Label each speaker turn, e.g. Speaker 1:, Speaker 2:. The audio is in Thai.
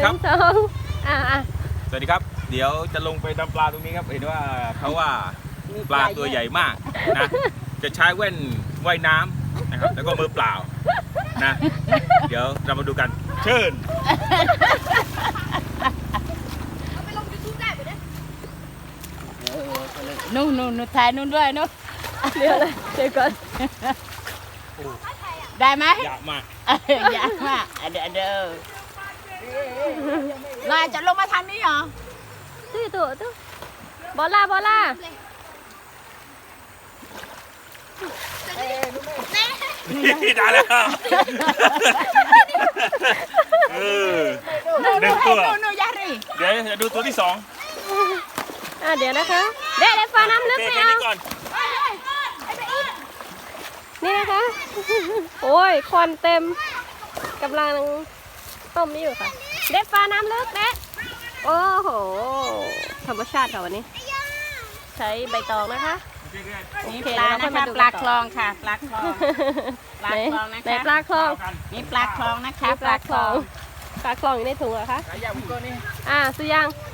Speaker 1: ครับ
Speaker 2: 1 2
Speaker 1: สวัสดีครับเดี๋ยวจะลงไปดำปลาตรงนี้ครับเห็นว่าเขาว่าปลาตัวใหญ่มากนะจะใช้แว่นว่ายน้ำนะครับแล้วก็มือเปล่านะเดี๋ยวเรามาดูกันเชิญ
Speaker 3: นู่นถ่ายนู่นด้วยนู่น
Speaker 2: เดี๋ยวก่อน
Speaker 3: ได้ไหม
Speaker 1: อยากมาก
Speaker 3: อยากมากเดี๋ยวลายจะลงมาทางนี้เหรอ
Speaker 2: ตู้บอลล่า
Speaker 1: ได้แล้วหนึ่งตัว
Speaker 3: นู่นยารี
Speaker 1: เดี๋ยวจะดูตัวที่2
Speaker 2: เดี๋ยวนะคะเด็ดฟ้าน้ำลึก
Speaker 1: โอเค
Speaker 2: ไม่
Speaker 1: แค่
Speaker 2: เอา
Speaker 1: นี้ก่อน
Speaker 2: นี่นะคะโอ้ยควันเต็มกำลังต้มนี่อยู่ค่ะเด็ดฟ้าน้ำลึกเด็ดโอ้โหธรรมชาติค่ะวันนี้ ใช้ใบตองนะคะ
Speaker 3: นี่ปลานะคะปลาคลองค่ะปลาคลองปลาคลองนะคะ
Speaker 2: ไหนปลาคลอง
Speaker 3: นี่ปลาคลองนะคะ
Speaker 2: ปลาคลองอยู่ในถุงเหรอคะ
Speaker 1: ขายยาวพี่ก้อนนี่
Speaker 2: สุยัง